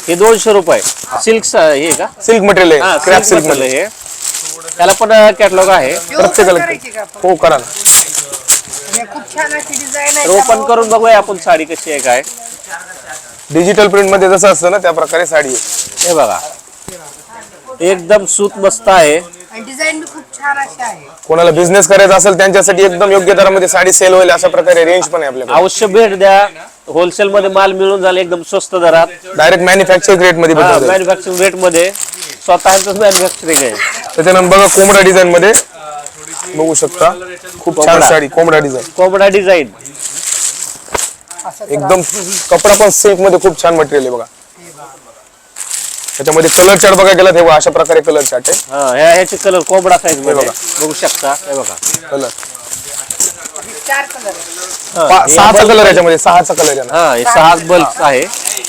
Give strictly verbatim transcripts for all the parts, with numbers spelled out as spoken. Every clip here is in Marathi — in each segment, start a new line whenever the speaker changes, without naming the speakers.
हे दोनशे रुपये सिल्क हे का
सिल्क मटेरियल आहे, क्रॅप सिल्क
मध्ये हे त्याला पण कॅटलॉग आहे
प्रत्येकाला. हो करा ना.
खूप छान अशी डिझाइन आहे.
ओपन करून बघूया आपण साडी कशी आहे काय.
डिजिटल प्रिंट मध्ये जसं असतं ना त्या प्रकारे साडी आहे.
हे बघा एकदम सूत मस्त आहे
आणि डिझाइन भी खूप छान अशी आहे.
कोणाला बिझनेस करायचा असेल त्यांच्यासाठी एकदम योग्य दरामध्ये साडी सेल होईल अशा प्रकारे रेंज पण आहे आपल्याकडे.
अवश्य भेट द्या. होलसेल मध्ये माल मिळून झाले एकदम स्वस्त दरात,
डायरेक्ट मॅन्युफॅक्चरिंग रेट मध्ये भेटतो.
मॅन्युफॅक्चरिंग रेट मध्ये स्वतःच मॅन्युफॅक्चरिंग आहे.
त्याच्यानंतर बघा कोंबडा डिझाइन मध्ये बघू शकता खूप छान साडी कोंबडा डिझाइन.
कोंबडा डिझाइन
एकदम कपडा पण सिल्क मध्ये खूप छान मटेरियल आहे बघा. त्याच्यामध्ये कलर चार्ट बघा गेला तेव्हा अशा प्रकारे कलर चार्ट आहे.
हा ह्या ह्याचे कलर कोंबडा साईज मध्ये बघू शकता. हे बघा
कलर
चार कलर
सहाचा कलर याच्यामध्ये सहाचा कलर आहे.
हा हे सहा बल्ब आहे.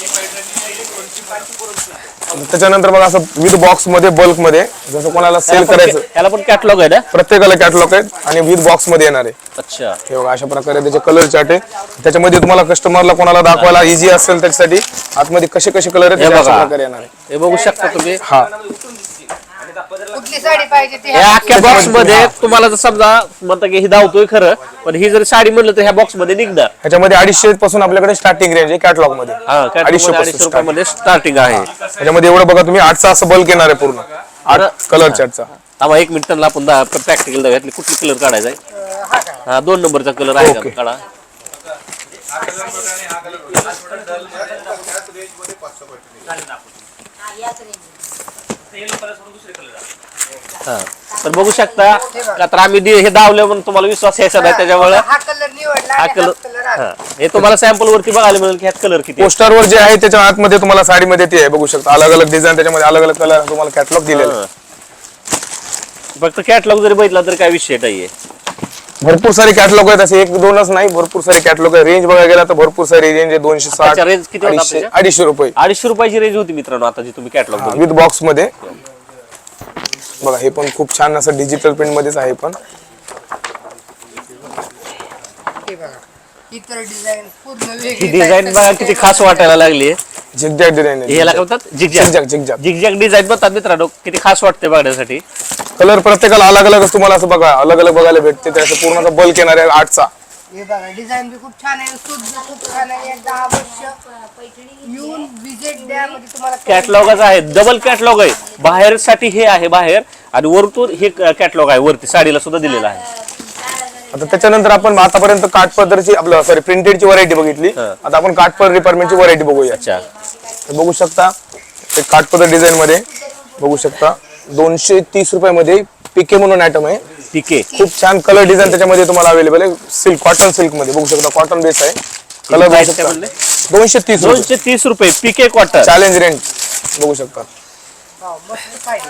त्याच्यानंतर बघा असं विथ बॉक्स मध्ये बल्क मध्ये जसं कोणाला सेल करायचं
याला पण कॅटलॉग आहे ना,
प्रत्येकाला कॅटलॉग आहे आणि विथ बॉक्स मध्ये येणार आहे.
अच्छा
हे बघा अशा प्रकारे त्याचे कलर चार्ट आहे. त्याच्यामध्ये तुम्हाला कस्टमरला कोणाला दाखवायला इझी असेल त्याच्यासाठी आतमध्ये कसे कसे कलर आहेत अशा प्रकारे येणार आहे.
हे बघू शकता तुम्ही.
हा
कुठली साडी पाहिजे ती
या अख्ख्या बॉक्स मध्ये तुम्हाला जर समजा म्हणता की ही धावतोय खरं, पण ही जर साडी म्हणलं तर ह्या बॉक्स मध्ये निघणार.
ह्याच्यामध्ये अडीचशे पासून आपल्याकडे स्टार्टिंग रेंज आहे कॅटलॉग मध्ये.
अडीचशे रुपये मध्ये स्टार्टिंग आहे.
त्याच्यामध्ये एवढं बघा तुम्ही आठचा असं बल्क येणार आहे पूर्ण आठ कलर चार्टचा.
आम्हाला एक मिनिटाला आपण प्रॅक्टिकल दाखवूयात कुठली कलर काढायचा आहे. हा दोन नंबरचा कलर आहे का काढा. हा तर बघू शकता का तर आम्ही हे दावलं म्हणून तुम्हाला विश्वास यायचा नाही त्याच्यामुळे
हा कलर निवडला
हा
आणि हा
कलर
कलर आला.
हे तुम्हाला सॅम्पल वरती बघायला मिळेल की ह्यात कलर किती आहे.
पोस्टरवर जे आहे त्याच्या आतमध्ये तुम्हाला साडीमध्ये ते आहे बघू शकता अलग अलग डिझाईन त्याच्यामध्ये अलग अलग कलर तुम्हाला कॅटलॉग दिलेला आहे.
फक्त कॅटलॉग जरी बघितला तर काय विषय नाहीये.
भरपूर सारे कॅटलॉग आहेत असे एक दोनच नाही भरपूर सारे कॅटलॉग आहे. रेंज बघायला गेला तर भरपूर सारी रेंज आहे दोनशे साठ
अच्छा, रेंज किती होता
अडीचशे
त्याच्या?
अडीचशे रुपये
अडीचशे रुपयाची रेंज होती मित्रांनो आता जी तुम्ही कॅटलॉग बघितलं.
विथ बॉक्स मध्ये बघा. हे पण खूप छान असं डिजिटल प्रिंट मध्येच आहे पण
हे बघा इतर डिझाइन पूर्ण
ही
वेगळी
डिझाईन बघा किती खास वाटायला लागली.
झिगझॅग डिझाईन आहे.
ह्याला काय म्हणतात zigzag
zigzag zigzag
zigzag design म्हणतात मित्रांनो. किती खास वाटते बघण्यासाठी.
कलर प्रत्येकाला अलग अलग तुम्हाला असं बघा अलग अलग बघायला भेटते. त्याचं पूर्ण बल्क येणार आहे आठचा.
हे बघा डिझाइन भी खूप छान आहे, सूट भी खूप छान आहे. एकदा अवश्य येऊन विजिट द्या म्हणजे तुम्हाला
कॅटलॉगच आहे. डबल कॅटलॉग आहे. बाहेर साठी हे आहे बाहेर आणि वरतून हे कॅटलॉग आहे वरती साडीला सुद्धा दिलेला आहे.
आता त्याच्यानंतर आपण आतापर्यंत काठपदरची आपलं सॉरी प्रिंटेडची व्हरायटी बघितली. आता आपण काठपदर डिपार्टमेंटची व्हरायटी बघूया.
अच्छा
बघू शकता एक काठपदर डिझाईन मध्ये बघू शकता दोनशे तीस रुपयामध्ये पिके म्हणून आयटम आहे.
पिके
खूप छान कलर डिझाईन त्याच्यामध्ये तुम्हाला अवेलेबल आहे. सिल्क कॉटन सिल्क मध्ये बघू शकता कॉटन बेस आहे. कलर दोनशे तीस
दोनशे तीस रुपये पिके कॉटन
चॅलेंज रेंज बघू शकता.
मस्त साडी.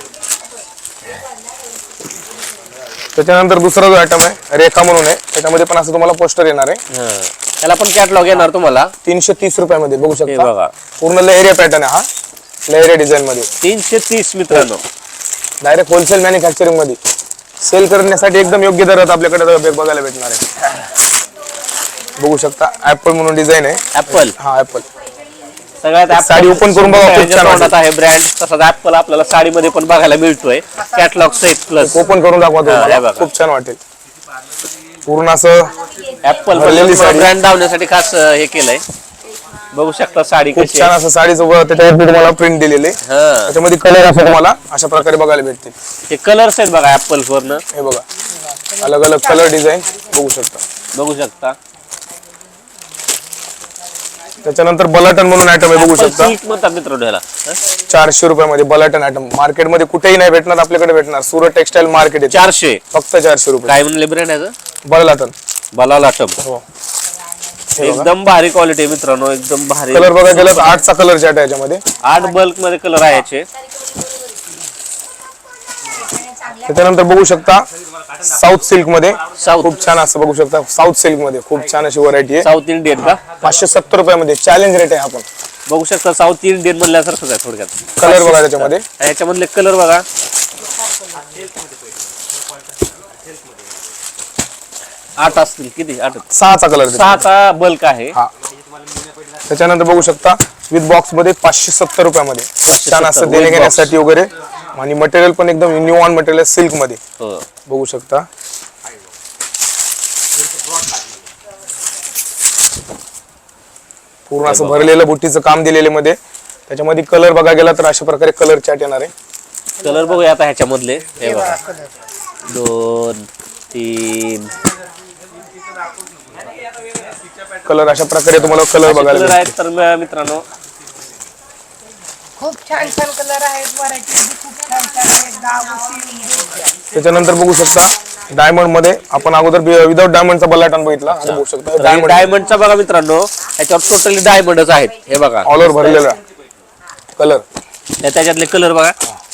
त्याच्यानंतर दुसरा जो आयटम आहे रेखा म्हणून आहे. त्याच्यामध्ये पण असं तुम्हाला पोस्टर येणार आहे.
त्याला पण कॅटलॉग येणार तुम्हाला
तीनशे तीस रुपयामध्ये बघू
हे
शकता.
बघा
पूर्ण लेहरिया पॅटर्न आहे हा. लेहरिया डिझाईन मध्ये
तीनशे तीस मित्रांनो.
डायरेक्ट होलसेल मॅन्युफॅक्चरिंग मध्ये सेल करण्यासाठी एकदम योग्य दरात आपल्याकडे बघायला भेटणार आहे. बघू शकता ऍपल म्हणून डिझाईन आहे.
ऍपल
हा ऍपल
सगळ्यात
साडी ओपन करून बघा खूप छान वाटत
आहे ब्रँड. तसाच ऍपल आपल्याला साडीमध्ये पण बघायला मिळतोय कॅटलॉग सहित प्लस.
ओपन करून दाखवा
हा, हे
तुम्हाला
बघा.
खूप छान वाटेल. पूर्ण असं
ऍपल
भरलेली साडी.
ब्रँड दावण्यासाठी खास हे केलंय. बघू शकता साडी
खूप
कशी
छान
आहे.
असं साडीचं वर त्याच्यावरती तुम्हाला प्रिंट दिलेले.
हा
त्याच्यामध्ये कलर असं तुम्हाला अशा प्रकारे बघायला भेटतील.
हे कलर्स आहेत बघा ऍपल वरनं.
हे बघा अलग अलग कलर डिझाईन बघू शकता.
बघू शकता
त्याच्यानंतर बलाटन म्हणून आयटम आहे बघू शकता.
सिल्क म्हणतात मित्रांनो ह्याला.
चारशे रुपयामध्ये बलाटन आयटम मार्केटमध्ये कुठेही नाही भेटणार आपल्याकडे भेटणार. सुरत टेक्सटाईल मार्केट आहे
चारशे
फक्त चारशे रुपये.
काय म्हणले ब्रँड याचं
बलाटन
बलाला टब.
हो.
एकदम भारी क्वालिटी मित्रांनो. एकदम भारी
कलर बघा गेला तर आठचा कलर चार्ट आहे याच्यामध्ये.
आठ बल्क मध्ये कलर आहे याचे.
त्याच्यानंतर बघू शकता साऊथ सिल्क मध्ये
साऊथ
खूप छान असं बघू शकता. साऊथ सिल्क मध्ये खूप छान अशी व्हरायटी आहे.
साऊथ इंडियन का
पाचशे सत्तर रुपयामध्ये चॅलेंज रेट आहे. आपण
बघू शकता साऊथ इंडियन म्हणल्यासारखंच आहे थोडक्यात.
कलर बघा त्याच्यामध्ये.
याच्यामधले कलर बघा. आठ असतील किती आठ
सहाचा कलर
सहाचा बल्क आहे.
हा त्याच्यानंतर बघू शकता विथ बॉक्स मध्ये पाचशे सत्तर रुपयामध्ये छान असं
with
देणे
box.
घेण्यासाठी वगैरे आणि मटेरियल पण एकदम न्यू ऑन मटेरियल सिल्क मध्ये
हो.
बघू शकता. पूर्ण असं भरलेलं बुट्टीचं काम दिलेले मध्ये. त्याच्यामध्ये कलर बघा गेला तर अशा प्रकारे कलर चार्ट येणार आहे.
कलर बघूया आता ह्याच्यामधले. हे
हे
बघा
बघा कलर.
दोन तीन
कलर अशा प्रकारे तुम्हाला कलर बघायला
कलर
भेटतील.
आहेत. तर म- मित्रांनो
खूप छान छान कलर आहेत. व्हरायटी खूप छान छान आहेत. गावठी
त्याच्यानंतर बघू शकता डायमंड मध्ये आपण अगोदर विदाउट डायमंडचा बल्लाटन बघितला. आता बघू शकता डायमंड
डायमंडचा बघा मित्रांनो, ह्याच्यावर टोटली डायमंडच आहेत. हे बघा
ऑल ओव्हर भरलेला कलर.
त्या- त्याच्यातले कलर बघा.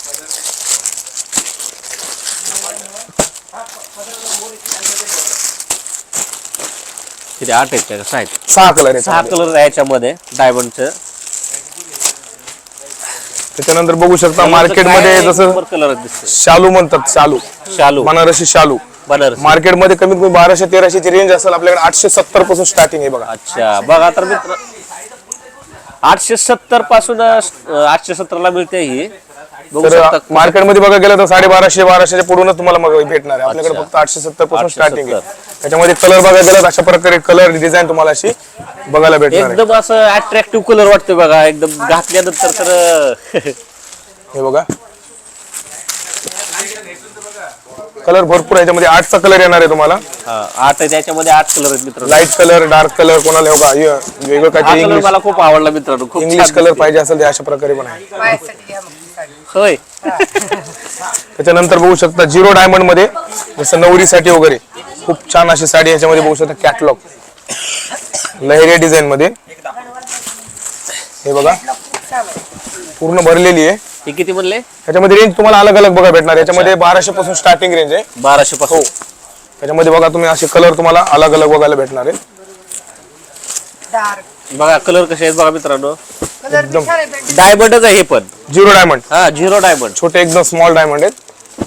किती आठ आहेत का सहा आहेत?
सहा कलर आहे.
सहा कलर आहे याच्यामध्ये डायमंडचं.
त्याच्यानंतर बघू शकता मार्केटमध्ये जसं
कलर दिसते.
शालू म्हणतात, शालू
शालू
बनारसी शालू
बनारस.
मार्केटमध्ये कमीत कमी बाराशे तेराशे ची रेंज असेल आपल्याकडे. आठशे सत्तर पासून स्टार्टिंग आहे बघा.
अच्छा बघा तर मित्र, आठशे सत्तर पासून अं, आठशे सत्तर ला मिळते ही. बघू
तर
शकता
मार्केटमध्ये बघा गेलं तर साडे बाराशे बाराशेच्या पुढूनच तुम्हाला मग भेटणार आहे. आपल्याकडे
अच्छा.
फक्त आठशे सत्तर पासून
आठशे
स्टार्टिंग आहे.
सत्तर.
त्याच्यामध्ये कलर बघा गेला तर अशा प्रकारे कलर डिझाईन तुम्हाला अशी बघायला भेटणार आहे.
एकदम असं अट्रॅक्टिव्ह कलर वाटतोय बघा. एकदम घातल्यानंतर तर
हे बघा कलर भरपूर आहे. याच्यामध्ये आठचा कलर येणार आहे तुम्हाला.
हा, आठ आहे त्याच्यामध्ये. आठ कलर आहेत मित्रांनो.
लाईट कलर, डार्क कलर, कोणाला हे बघा हे वेगळं
हा
काहीतरी
कलर
इंग्लिश
मला खूप आवडला मित्रांनो. खूप
इंग्लिश
छान
कलर
दिसते.
पाहिजे असेल ते अशा प्रकारे पण आहे.
माझ्यासाठी घ्या मग ती साडी.
होय.
त्याच्यानंतर बघू शकता झिरो डायमंड मध्ये जसं नवरीसाठी वगैरे खूप छान अशी साडी याच्यामध्ये बघू शकता. कॅटलॉग लहेरिया डिझाईन मध्ये हे बघा
खूप छान आहे.
पूर्ण भरलेली आहे.
हे किती म्हणले?
त्याच्यामध्ये रेंज तुम्हाला अलग अलग बघा भेटणार. याच्यामध्ये बाराशे पासून स्टार्टिंग रेंज आहे.
बाराशे पासून.
हो त्याच्यामध्ये बघा तुम्ही असे कलर तुम्हाला अलग अलग बघायला भेटणार आहे.
डार्क
बघा कलर कसे आहेत बघा मित्रांनो.
कलर बी छान आहे. पेंटिंग
डायमंडच आहे हे पण.
झिरो डायमंड
हा झिरो डायमंड.
छोटे एकदम स्मॉल डायमंड आहेत.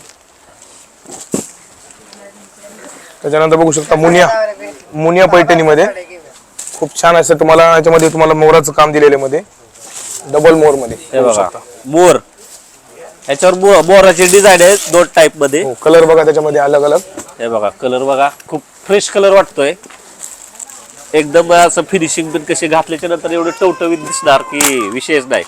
त्याच्यानंतर बघू शकता मुनिया मुनिया पैठणीमध्ये खूप छान असं तुम्हाला याच्यामध्ये तुम्हाला मोराचं काम दिलेलं मध्ये डबल मोर मध्ये
हे
बघू
बघा
शकता.
मोर. याच्यावर मो- मोराची डिझाईन आहे दोन टाइप मध्ये.
हो कलर बघा त्याच्यामध्ये अलग अलग.
हे बघा कलर बघा. खूप फ्रेश कलर वाटतोय. एकदम असं फिनिशिंग पण कसे घातल्याच्या नंतर एवढं टवटवीत दिसणार की विषयच नाही.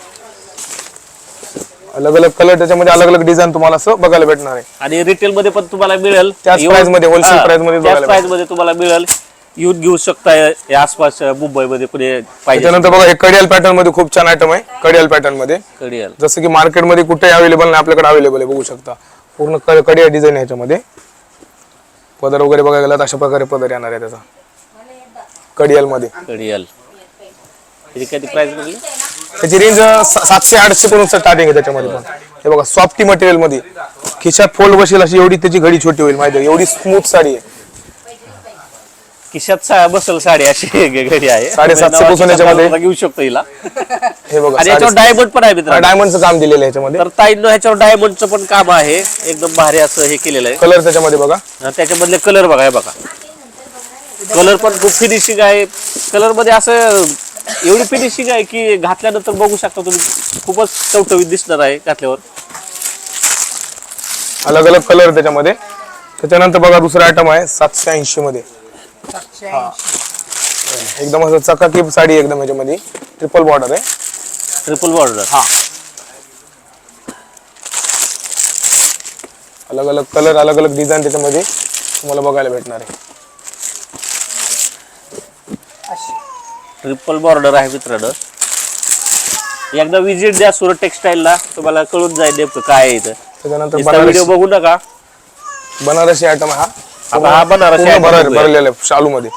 अलग अलग कलर त्याच्यामध्ये अलग अलग डिझाईन तुम्हाला असं बघायला भेटणार आहे.
आणि रिटेल मध्ये पण तुम्हाला मिळेल.
त्याच
येऊन-
price मध्ये, wholesale
हा,
price मध्ये
त्याच
बघायला
price मध्ये तुम्हाला मिळेल. येऊन घेऊ शकता या आसपास मुंबईमध्ये कुठे पाहिजे.
त्याच्यानंतर बघा हे कडियाल पॅटर्न मध्ये खूप छान आयटम आहे. कडियाल पॅटर्न मध्ये
कळेल.
जसं की मार्केटमध्ये कुठेही अवेलेबल नाही आपल्याकडे अवेलेबल आहे. बघू शकता पूर्ण क- कडियाल डिझाईन आहे याच्यामध्ये. पदर वगैरे बघायला गेला तर अशा प्रकारे पदर येणार आहे त्याचा कडियाल मध्ये.
कळेल. त्याची किती प्राइस म्हणली?
त्याची रेंज सातशे आठशे पर्यंत स्टार्टिंग आहे त्याच्यामध्ये पण. हे बघा सॉफ्टी मटेरियल मध्ये खिशात फोल्ड बसेल अशी एवढी त्याची घडी छोटी होईल माहिती आहे. एवढी स्मूथ साडी आहे.
खिशात सा- बसल साडी अशी घडी आहे.
साडेसातशे पासून याच्यामध्ये.
घेऊ शकतो हिला.
हे बघा
आणि याच्यावर डायमंड पण आहे मित्रांनो.
डायमंडचं काम दिलेलं आहे याच्यामध्ये.
तर ताईंनो ह्याच्यावर डायमंडचं पण काम आहे. एकदम भारी असं हे केलेलं आहे.
कलर त्याच्यामध्ये बघा.
आणि त्याच्यामधले कलर बघा. हे बघा कलर पण खूप फिनिशिंग आहे. कलर मध्ये असं एवढी फिनिशिंग आहे की घातल्यानंतर बघू शकता तुम्ही खूपच टवटवीत दिसणार आहे घातल्यावर.
अलग अलग कलर त्याच्यामध्ये. त्याच्यानंतर बघा दुसरा आयटम आहे सातशे ऐंशी मध्ये.
सातशे ऐंशी.
एकदम असं चकाकी साडी एकदम याच्यामध्ये ट्रिपल बॉर्डर आहे.
Triple border.
हा अलग अलग कलर अलग अलग डिझाईन त्याच्यामध्ये तुम्हाला बघायला भेटणार आहे.
अशी
ट्रिपल बॉर्डर आहे मित्रांनो. एकदा विजिट द्या सुरत टेक्सटाईलला. तुम्हाला कळून जाईल नेमकं काय आहे इथं.
त्याच्यानंतर
व्हिडिओ
बनारसी
बघू नका.
बनारसी आयटम हा
आता हा बनारसी
पूर्ण
item
भर-
बघूया.
भरलेला आहे शालू मध्ये.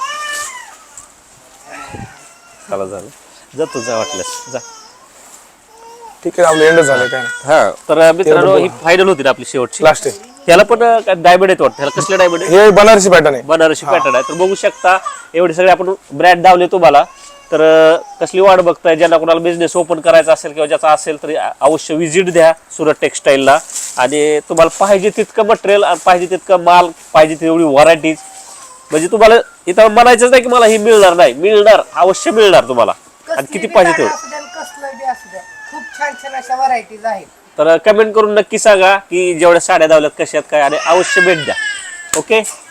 चला झालं. जा तू जा वाटल्यास जा.
ठीक आहे आपलं एंड झालं काय नाही.
हा तर मित्रांनो ही फायनल होती ना आपली शेवटची.
लास्ट आहे
ह्याला पण डायमंड आहेत वाटतं. ह्याला कसले डायमंड आहे?
हे बनारसी पॅटर्न आहे.
बनारसी पॅटर्न आहे. तर बघू शकता एवढे सगळे आपण ब्रँड दावले तुम्हाला. तर अं, कसली वाट बघताय ज्यांना कोणाला बिझनेस ओपन करायचा असेल किंवा ज्याचा असेल तरी अवश्य विजिट द्या सुरत टेक्सटाईलला. आणि तुम्हाला पाहिजे तितकं मटेरियल, पाहिजे तितकं माल, पाहिजे तेवढी व्हरायटीज, म्हणजे तुम्हाला इथं म्हणायचंच नाही की मला ही मिळणार नाही. मिळणार, अवश्य मिळणार तुम्हाला. आणि किती पाहिजे तेवढं.
कोणाचा बी असू द्या, खूप छान छान अशा व्हरायटीज आहेत.
तर कमेंट करून नक्की सांगा की जेवढ्या साड्या धावल्यात कशात काय, आणि अवश्य भेट द्या. ओके.